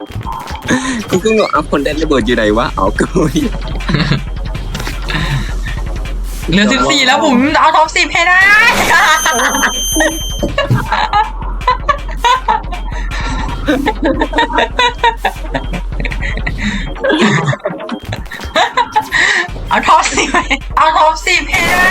กูก็งงเอาคนได้ระเบิดอยู่ไหนวะเอากูเหลือ14แล้วผมเอาท็อป10ให้ได้เอาท็อป10เอาท็อป10ให้ได้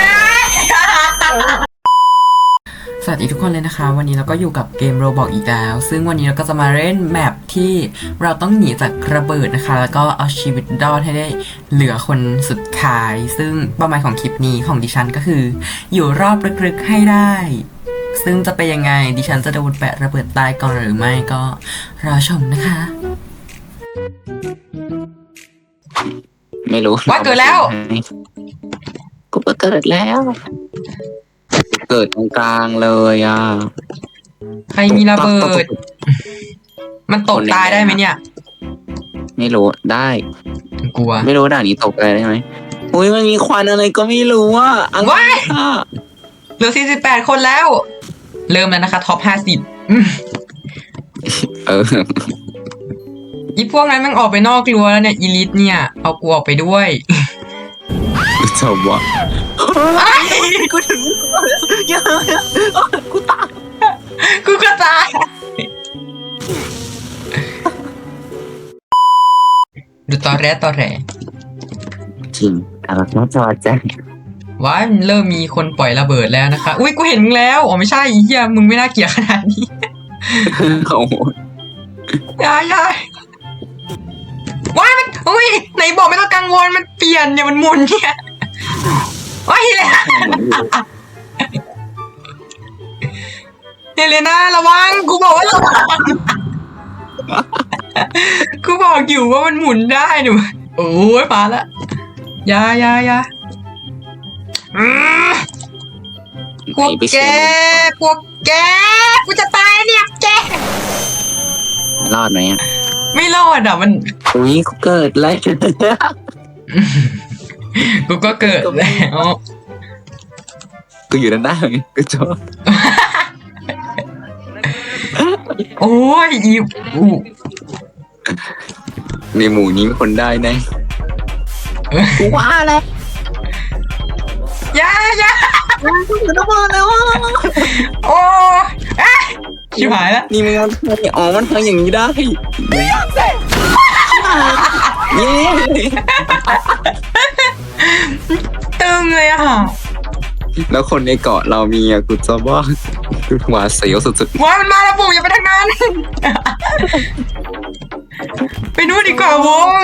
สวัสดีทุกคนเลยนะคะวันนี้เราก็อยู่กับเกม Roblox อีกแล้วซึ่งวันนี้เราก็จะมาเล่นแมปที่เราต้องหนีจากระเบิดนะคะแล้วก็เอาชีวิตรอดให้ได้เหลือคนสุดท้ายซึ่งเป้าหมายของคลิปนี้ของดิฉันก็คืออยู่รอบลึกๆให้ได้ซึ่งจะเป็นยังไงดิฉันจะโดนแปะระเบิดตายก่อนหรือไม่ก็รอชมนะคะไม่รู้ว่าเกิดแล้วกูก็เกิดแล้วเกิดตรงกลางเลยอ่ะใครมีระเบิดมันตกตายได้ไหมเนี่ยไม่รู้ได้กลัวไม่รู้ด่านนี้ตกอะไรได้ไหมอุ้ยมันมีควันอะไรก็ไม่รู้อ่ะว้ายเหลือ48คนแล้วเริ่มแล้วนะคะท็อป50อีพวกนั้นมันออกไปนอกรั้วแล้วเนี่ยอีลิทเนี่ยเอากูออกไปด้วยจบวะกูถึงกูตายกูก็ตายดูตอแรจริงแต่เราต้องจอดใจว้ายเริ่มมีคนปล่อยระเบิดแล้วนะคะอุ้ยกูเห็นมึงแล้วอ๋อไม่ใช่อีเหี้ยมึงไม่น่าเกลียดขนาดนี้โอ้โหยายว้ายมันอุ้ยไหนบอกไม่ต้องกังวลมันเปลี่ยนเนี่ยมันหมุนเนี่ยว้ายเลยเฮเลน่าระวังกูบอกว่าระวังกูบอกอยู่ว่ามันหมุนได้หนูโอ้ยมาละยาพวกแกกูจะตายเนี่ยแกรอดไหมอ่ะไม่รอดอ่ะมันอุ้ยกูเกิดแล้วกูก็เกิดแล้วกูอยู่ด้านหน้าไงกูจบโอ้ยอีในหมู่นี้มีคนได้แน่กูว่าแล้วยากูจะมาแล้วโอ้ชิบหายแล้วนี่มันอ๋อมันทำอย่างนี้ได้เย้ตึงเลยอะแล้วคนในเกาะเรามีอะกูจะว่าหวาดเสียวสุดๆว้ามันมาแล้วปู่อย่าไปทางนั้นไปนู่นดีกว่าวง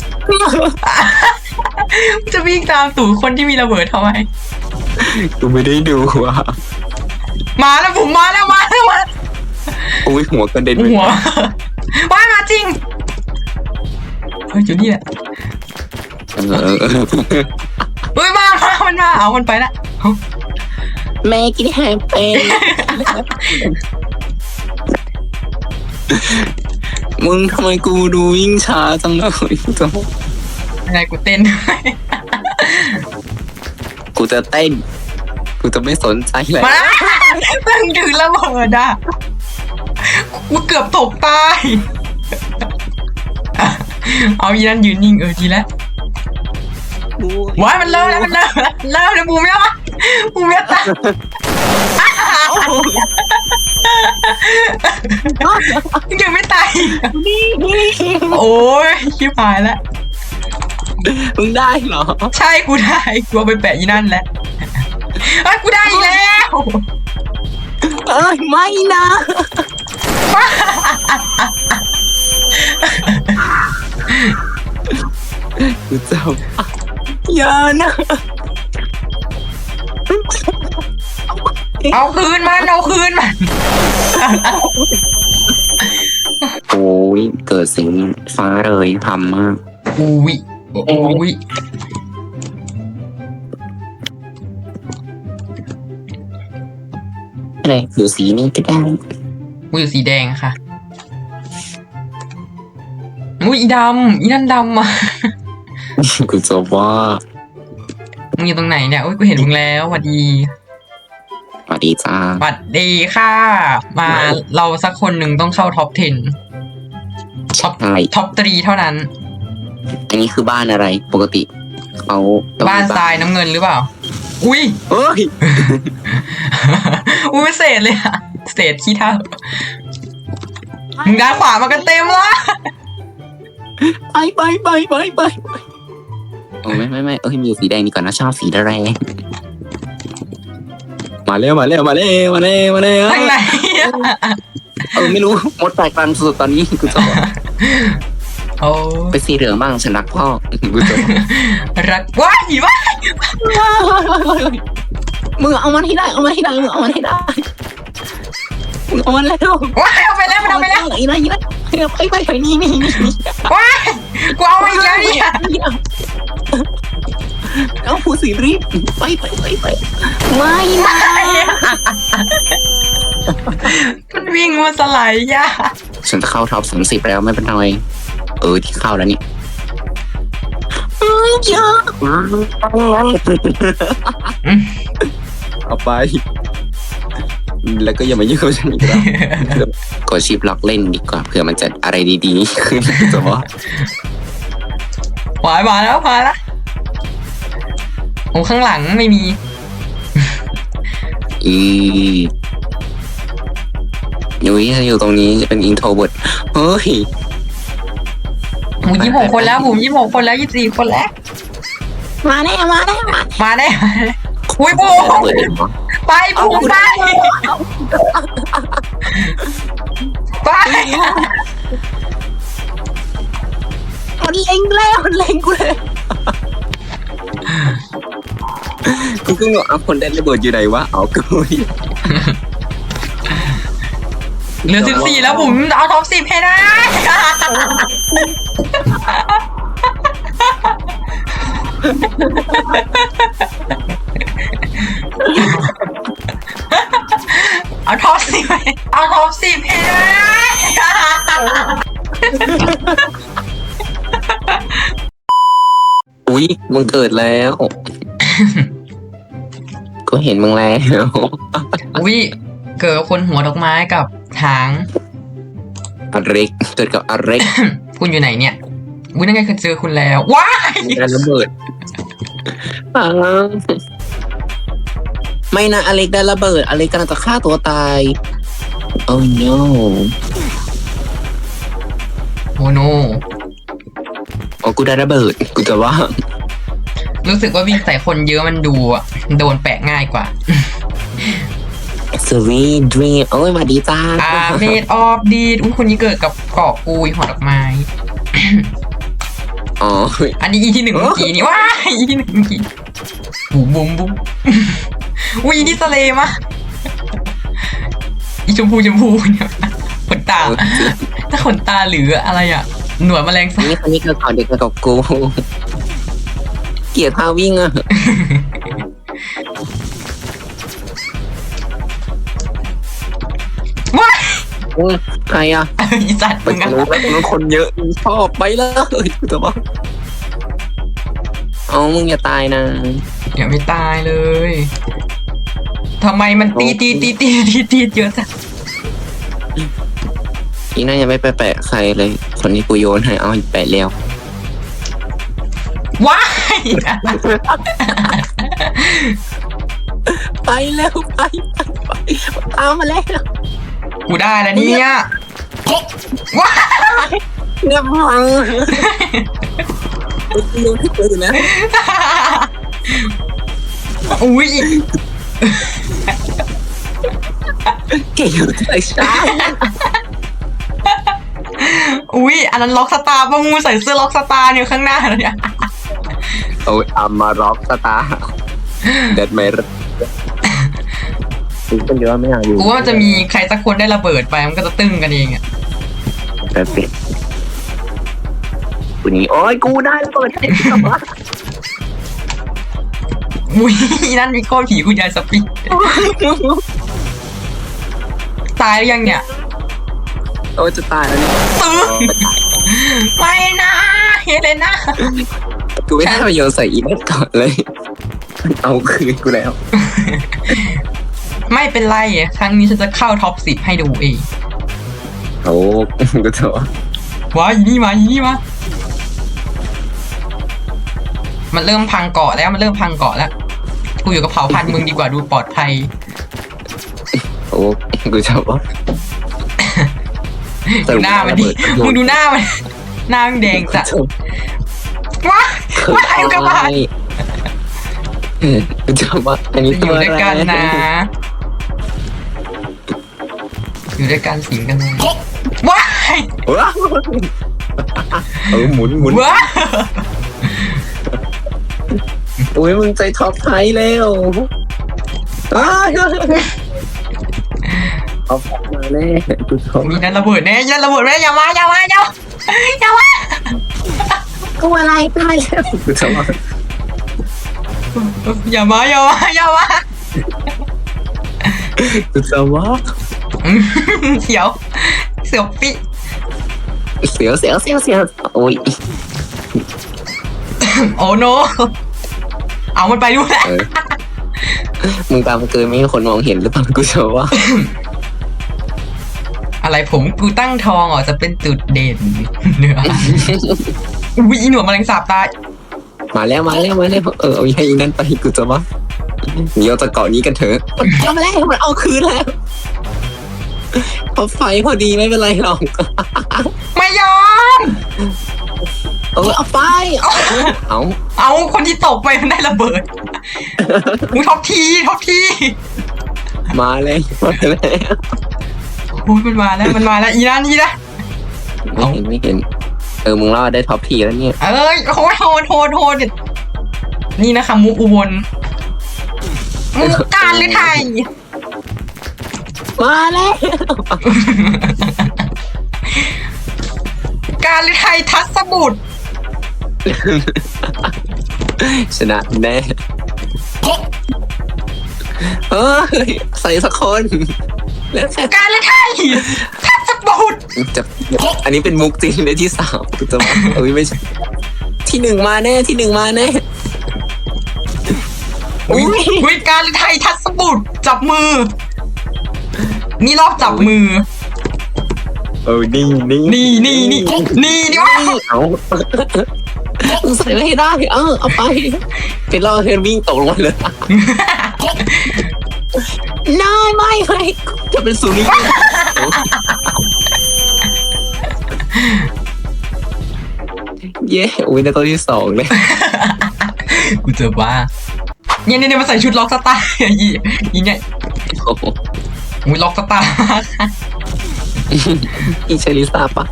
จะวิ่งตามตู่คนที่มีระเบิดทำไมกูไม่ได้ดูว่ะมาแล้วผมมาแล้วโอ้ยหัวกระเด็นหัวว้ามาจริงเฮ้ยจุดนี้แหละเฮ้ยมันมาเอามันไปละแม่กินแฮมเป็นมึงทำไมกูดูวิ่งช้าจังเลยอะไรกูเต้นกูจะเต้นกูจะไม่สนใจเลยมาตั้งถือระเบิดอ่ะกูเกือบตกตายเอาอีนั่นยืนนิ่งดีแล้วว้ายมันเริ่มแล้วบูมแล้วตายยังไม่ตายโอ้ยชิบหายแล้วมึงได้เหรอใช่กูได้กูเอาไปแปะอีนั่นแล้วกูได้อีกแล้วไม่นะกูเจ้าอย่านะเอาคืนมันโอ้ยเกิดสิ่งฟ้าเลยทำมากอุ้ยอะไรอยู่สีนี้ก็ได้อยู่สีแดงค่ะอีดำอีนั่นดำมากูจะว่ามึงอยู่ตรงไหนเนี่ยกูเห็นมึงแล้วสวัสดีจ้าสวัสดีค่ะมาเราสักคนหนึ่งต้องเข้าท็อป 10 ท็อป3เท่านั้นอันนี้คือบ้านอะไรปกติเขาต้องบ้านทรายน้ำเงินหรือเปล่า อุ้ยเฮ้ยอุ้ยเศษเลยอะเศษขี้เท่ามึงด้านขวามากันเต็มละไปโอ้ไม่เอ้ยมีสีแดงดีกว่านะชอบสีแดงมาเร็วทางไหนอะไม่รู้มดแตกรังสุดตอนนี้กูจะบอกโอ้ไปสีเหลืองบ้างฉันรักพ่อกูจะบอกรักว้ายว้ายมึงเอามันให้ได้มึงเอามันแล้วว้ายเอาไปแล้วมันเอาไปแล้วไปนี่ว้ายกูเอามาอีกแล้วเนี่ยเอาผู้สีรีบไปไม่นะมันวิ่งมาสไลด์ย่าฉันจะเข้าท็อป30แล้วไม่เป็นไรที่เข้าแล้วนี่เอาไปแล้วก็อย่ามายุ่งกับฉันอีกแล้วกดชิปล็อกเล่นดีกว่าเผื่อมันจะอะไรดีๆขึ้นจะว่ามาแล้วโอ้ข้างหลังไม่มีนุ้ยอยู่ตรงนี้จะเป็นอินโทรเวิร์ดเฮ้ยบุ๋ม26 คนแล้วบุ๋ม26 คนแล้ว24 คนแล้วมาแน่อุ้ยบุ๋มไปบุ๋มไปมันเล็งแล้วมันเล็งกูเลยกูก็งงเอาคนได้ระเบิดอยู่ไหนวะเอากูเหลือ14แล้วบุ๋มเอาท็อป10ให้ได้เอาท็อป10ให้ได้อุ้ยมึงเกิดแล้วก็เห็นมึงแล้วอุ้ยเกิดคนหัวดอกไม้กับหางอเล็กเกิดกับอเล็กคุณอยู่ไหนเนี่ยอุ้ยนั่นไงเคยเจอคุณแล้วว้ายได้ระเบิดไม่นะอเล็กได้ระเบิดอเล็กกำลังจะฆ่าตัวตายโอ้ no โมโนโอ้กูได้ระเบิดกูจะว่ารู้สึกว่าวิ่งใส่คนเยอะมันดูอะโดนแปะง่ายกว่า Sweet dream โอ้ยมาดีจ้าเมดออฟดีดอุ้ยคนนี้เกิดกับเกาะกุยหัวดอกไม้อ๋ออันนี้อีที่1เมื่อกี้นี่ว้ายอีที่1เมื่อกี้บุ๋มอุ้ยอีที่ทะเลมะอีชมพูเนี่ยขนตาถ้าขนตาหรืออะไรอ่ะหนวดแมลงสาบนี่คนนี้เกิดก่อนเด็กเกิดกับกูเกลียดพาวิ่งอ่ะว้ายใครอ่ะอีสัตว์ไปมึงทะอะลุแล้วคนเยอะชอบไปเลยกูจะบอกอ๋อมึงอย่าตายนะอย่าไม่ตายเลยทำไมมันตีเยอะจังอีน่ายังไม่ไปแปะใครเลยคนนี้กูโยนให้เอาแปะแล้วว้ายไปแล้วไปตามมาแล้วกูได้แล้วเนี่ยว้ายเงียบฟังโยนให้กูนะอุ้ยเก่งใจช้าอุ้ยอันนั้นล็อกสตาร์ป่ะงูใส่เสื้อล็อกสตาร์อยู่ข้างหน้าเลยเนี่ยโอ้ยอามาร็อกสตาร์เด็ดไหมเป็นเยอะไม่อยากอยู่กูว่ามันจะมีใครสักคนได้ระเบิดไปมันก็จะตึ้งกันเองอ่ะแต่เป็ดกูนี่โอ้ยกูได้ระเบิดอุ้ยนั่นมีก้อนผีคุณยายสปีดตายหรือยังเนี่ยโอ้ยจะตายแล้วเนี่ยตึ้งไม่นะเฮเลน่ากูไม่ได้ไปโยนใส่อีเมลก่อนเลยเอาคืนกูแล้วไม่เป็นไรครั้งนี้ฉันจะเข้าท็อป10ให้ดูเองโอ้กูจะโหว้ายนี่มามันเริ่มพังเกาะแล้วกูอยู่กับเผ่าพันธุ์มึงดีกว่าดูปลอดภัยโอ้กูชอบว่าดูหน้ามันดิมึงดูหน้ามันหน้ามันแดงจัดว้าไอ้กระบาดกูชอบว่าอันนี้อยู่ด้วยกันนะอยู่ด้วยกันสิงกันนะว้ายว้าวหมุนว้าโอ้ยมึงใจท็อปไทยแล้วเอามาแน่กูชอบมีนั่นระเบิดแน่อย่ามากูอะไรตายแล้วกูชอบว่าอย่ามากูชอบว่าเสียวปิเสียวโอ้ยโอ้โนเอามันไปด้วยมึงตามเกินไม่มีคนมองเห็นหรือเปล่ากูชอบว่าอะไรกูตั้งทองจะเป็นจุดเด่นเนื้อวิหนวดแมลงสาบตายมาแล้วเอาให้นั่นไปกูจะว่าเดี๋ยวจะเกาะนี้กันเถอะเอามาแล้วมันเอาคืนแล้วพอไฟพอดีไม่เป็นไรหรอกไม่ยอมเอาไปเอาคนที่ตกไปมันได้ระเบิดมึงท็อปทีมาเลยโอ้ยมันมาแล้วอีนั่นไม่เห็นมึงรอดได้ท็อปทีแล้วเนี่ยโหดนี่นะคะมุกอุบลมุกการหรือไทยมาแล้วการหรือไทยทัศบุตรชนะแน่ใส่สักคนการหรือไทยทัศบุตรจะอันนี้เป็นมุกจริงในที่สามจะมาไม่ใช่ที่หนึ่งมาแน่อุ้ยการหรือไทยทัศบุตรจับมือนี่รอบจับมือนี่วะเอาใส่ไม่ได้เอาไปเป็นรอเธอวิ่งตกลงมาเลยน้อยไม่จะเป็นศูนย์เย้อุ้ยในตัวที่สองเลยกูเจอว่าเนี่ยมาใส่ชุดล็อกสตาร์อีเนี่ยอุ้ยล็อกสตาร์อีใช่ลิซ่าปะ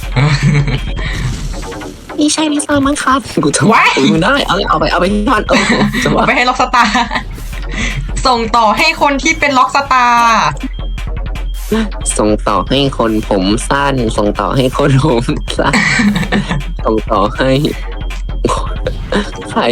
อีใช่ลิซ่ามั้งครับกูจะว่ามึงได้เอาไปที่บ้านจะว่าไปให้ล็อกสตาร์ส่งต่อให้คนที่เป็นล็อกสตาร์ส่งต่อให้คนผมสั้นส่งต่อให้คนผมสั้นส่งต่อให้ใคร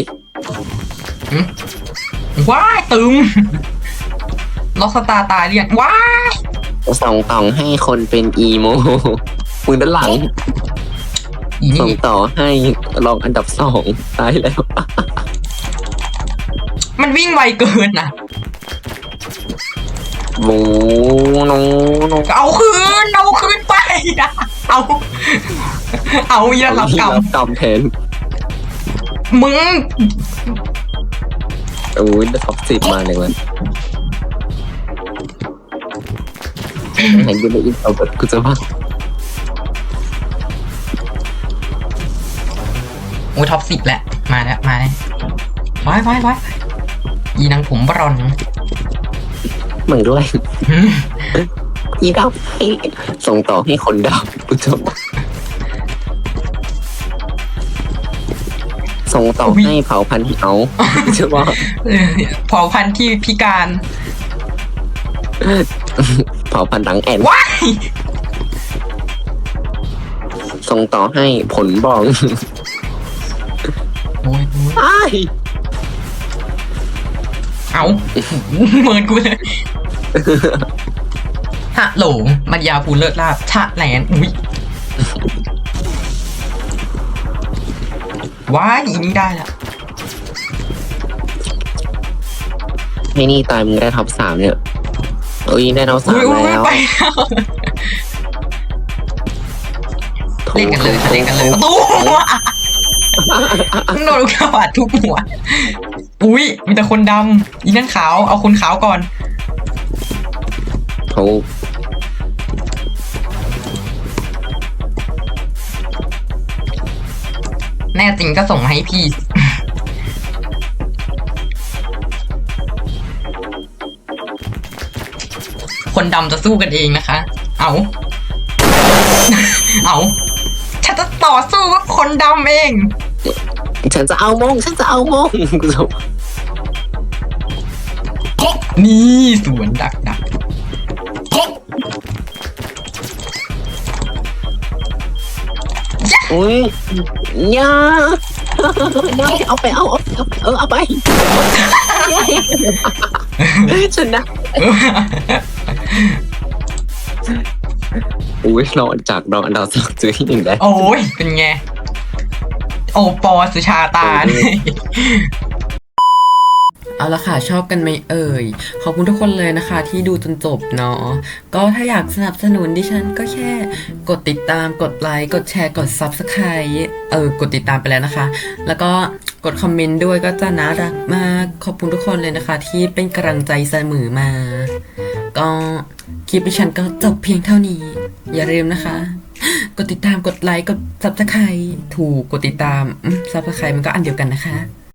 ว้ายตึมล็อกสตาร์ตายเรียนว้ายส่งต่อให้คนเป็นอีโมมือด้านหลังส่งต่อให้รองอันดับ2ตายแล้วมันวิ่งไวเกินนะโว้โนเอาคืนไปเอาอย่ารับกรรมแทนมึงโอ้ยได้ท็อป10มาเลยมันไหนกูได้อินเอาแบบกูจะว่าโอ้ยท็อป10แหละมาแล้วว้ายอีนางผมบรอนมึงด้วยอีดาวส่งต่อให้คนดาวกูจะว่าส่งต่อให้เผ่าพันธุ์เอาใช่ป่ะเผ่าพันธุ์ที่พิการเผ่าพันธุ์หลังแอนว้ายส่งต่อให้ผลบองโอ้ยเอาเหมือนกูเลยฮะโหลมันยาพูเลิศลาบชะแหลนอุ้ยว้ายอีนี่ได้ละให้นี่ตายมึงได้ท็อป3เนี่ยได้ท็อป3แล้วโถเล่นกันเลยค่ะเล่นกันเลยตู้โดนลูกกระบาดทุบหัวอุ้ยมีแต่คนดำอีนั่นขาวเอาคนขาวก่อนถูกแน่จริงก็ส่งมาให้พี่ คนดำจะสู้กันเองนะคะ เอา เอาฉันจะต่อสู้กับคนดำเองฉันจะเอามงฉันจะเอามงกูจะนี่สวนดักอุ้ยยาเอาไปเอาไปชนะอุ้ยนอนจากนอนดาวสองจุดที่หนึ่งได้โอ้ยเป็นไง โอปอสุชาตาเนี่ยเอาละค่ะชอบกันไหมเอ่ยขอบคุณทุกคนเลยนะคะที่ดูจนจบเนาะก็ถ้าอยากสนับสนุนดิฉันก็แค่กดติดตามกดไลค์กดแชร์กด Subscribe กดติดตามไปแล้วนะคะ แล้วก็กดคอมเมนต์ด้วยก็จะน่ารักมากขอบคุณทุกคนเลยนะคะ ที่เป็นกำลังใจเสมอมา ก็คลิปดิฉันก็จบเพียงเท่านี้ อย่าลืมนะคะ กดติดตามกดไลค์กด Subscribe ถูกกดติดตามSubscribe มันก็อันเดียวกันนะคะ